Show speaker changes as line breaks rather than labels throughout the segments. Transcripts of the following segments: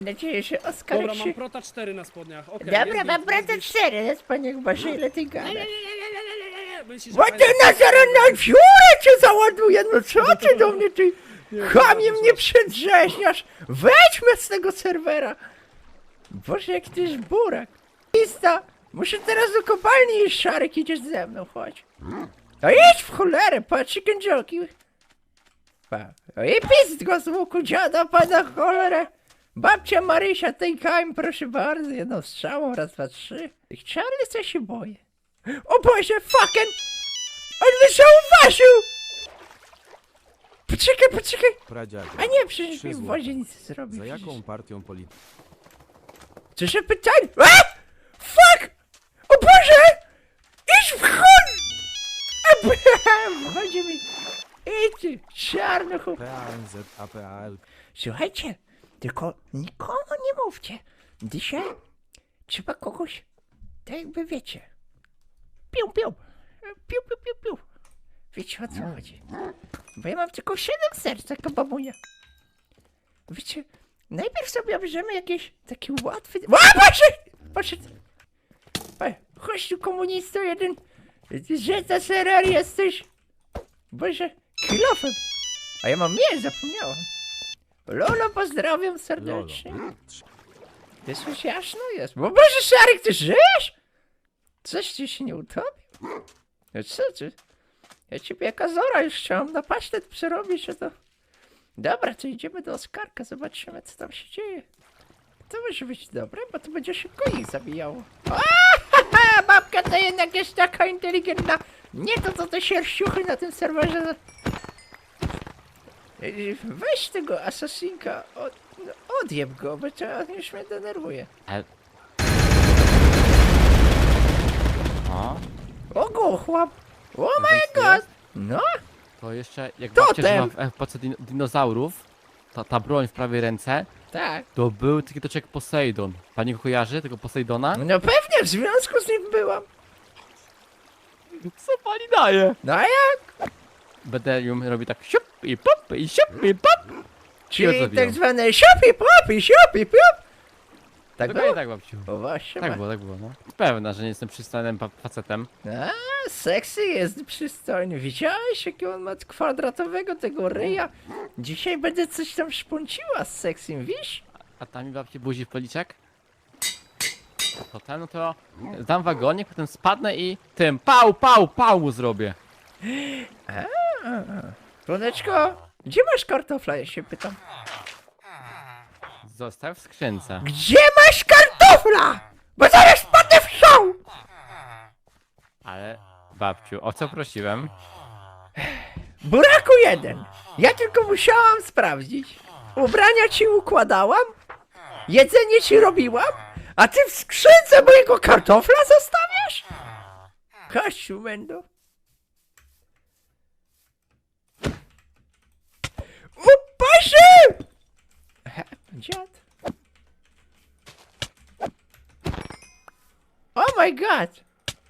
Mam nadzieję, że Oskar
Dobra,
się...
mam prota 4 na spodniach. Okay,
Dobra, mam brata 4, jest panie Boże, ile ty gadasz?
Myślisz,
Bo
że
ty na zaraz na dziurę cię załaduję, no co ty do mnie, ty chamie mnie przedrzeźniasz? Wejdźmy z tego serwera! Boże, jak ty jest burak. Pista, muszę teraz do kopalni iść, Szarek, idziesz ze mną, chodź. A idź w cholerę, patrz, chicken jockey. I pist go z łuku, dziada, pada cholerę. Babcia Marysia, tej kaim, proszę bardzo, jedną strzałą, raz, dwa, trzy. Tych Charlie co się boję. O Boże, fucking! On mnie zauważył! Poczekaj!
Pradziaku,
A nie, przecież mi
Trzy
w
złote.
wodzie nic nie zrobi.
za
przecież.
jaką partią polityczną?
Czyże pytanie? A! Fuck! O Boże! Idź w chuj! Wchodzi mi... Idź, czarnuchu.
PANZ, APAL.
Słuchajcie, tylko nikomu nie mówcie. Dzisiaj trzeba kogoś, tak jakby wiecie. Piu. Wiecie, o co chodzi? Bo ja mam tylko 7 serc, taka babunia. Wiecie, najpierw sobie bierzemy jakieś taki łatwy... O, Poszedł! Chodź tu, komunisto jeden. Że za serer jesteś. Boże, kilofem. A ja mam zapomniałam. Lolo, pozdrawiam serdecznie. Ty coś jasno jest. Bo Boże, Szarek, ty żyjesz? Coś ci się nie utopił? No co ty? Ja ciebie jaka zora już chciałam na pasztet przerobić, a to... Dobra, to idziemy do Oskarka, zobaczymy, co tam się dzieje. To może być dobre, bo to będzie szybko ich zabijało. Babka to jednak jest taka inteligentna. Nie to, co te sierściuchy na tym serwerze. Weź tego asasinka, odjeb go, bo to już mnie denerwuje.
O,
O, chłop! O my
Zemstuje?
god! No,
to jeszcze jak
Totem!
babcia żyła w epoce dinozaurów, ta broń w prawej ręce,
tak.
to był taki toczek Poseidon. Pani go kojarzy, tego Poseidona?
No pewnie, w związku z nim byłam.
Co pani daje?
No a jak?
Będę ją robił tak siup i pop i siup i pop.
Czyli
zabijam.
tak zwane siupi pop. Tak
Dokładnie
było?
tak, babciu.
O właśnie,
Tak było, no. Pewna, że nie jestem przystojnym facetem.
A, sexy jest przystojny. Widziałeś, jakiego on ma kwadratowego tego ryja? Dzisiaj będę coś tam szponciła z seksym, wiesz?
A tam mi babci buzi w policzek. Potem, no to dam wagonik, potem spadnę i tym pał mu zrobię.
Słoneczko, gdzie masz kartofla, ja się pytam.
Zostaw w skrzynce.
Gdzie masz kartofla? Bo zaraz wpadnę w show!
Ale, babciu, o co prosiłem?
Buraku jeden. Ja tylko musiałam sprawdzić. Ubrania ci układałam, jedzenie ci robiłam, a ty w skrzynce mojego kartofla zostawiasz? Kościół będą. O Boże! Dziad. Oh my god!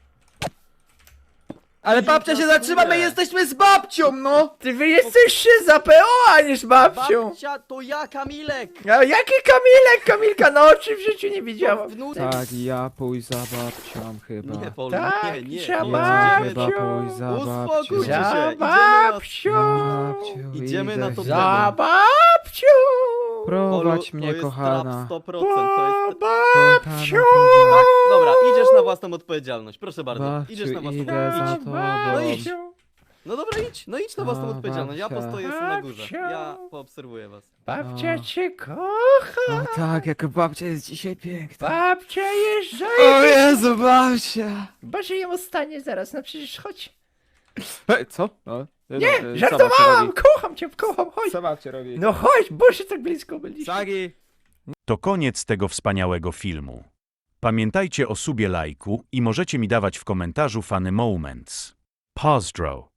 Ale babcia się zatrzyma, my jesteśmy z babcią, no!
Ty wy jesteście za PO, a nie z babcią!
Babcia to ja, Kamilek!
A jaki Kamilek? Kamilka na oczy w życiu nie widziałam.
Wnuczek.
Tak, ja pójść za babcią chyba.
Nie, Polu,
Tak,
nie, nie.
za
nie.
babcią.
Chyba pójść za
Uspokójcie
babcią.
się.
Za babcią!
Babciu,
Idziemy
idę
na to
za-
Za babcią!
Prowadź
to
mnie,
jest
kochana.
trap 100%, to jest...
Babcią!
Tak, dobra, idziesz na własną odpowiedzialność, proszę bardzo.
Babciu,
Idziesz na własną
idę za
odpowiedzialność.
tobą.
No idź. No dobra, idź, no idź na własną
A,
odpowiedzialność, ja
babcia.
postoję sobie na górze.
Babcia.
Ja poobserwuję was.
Babcia
No.
cię kocha!
O tak, jak babcia jest dzisiaj piękna.
Babcia jest
O Jezu, babcia!
Boże, jemu stanie zaraz, no przecież chodź.
Co? No,
Nie, żartowałam! Kocham, chodź!
Co babcia robi?
No chodź, Boże, tak blisko byliśmy.
Sagi!
To koniec tego wspaniałego filmu. Pamiętajcie o subie, lajku i możecie mi dawać w komentarzu funny moments. Pozdro.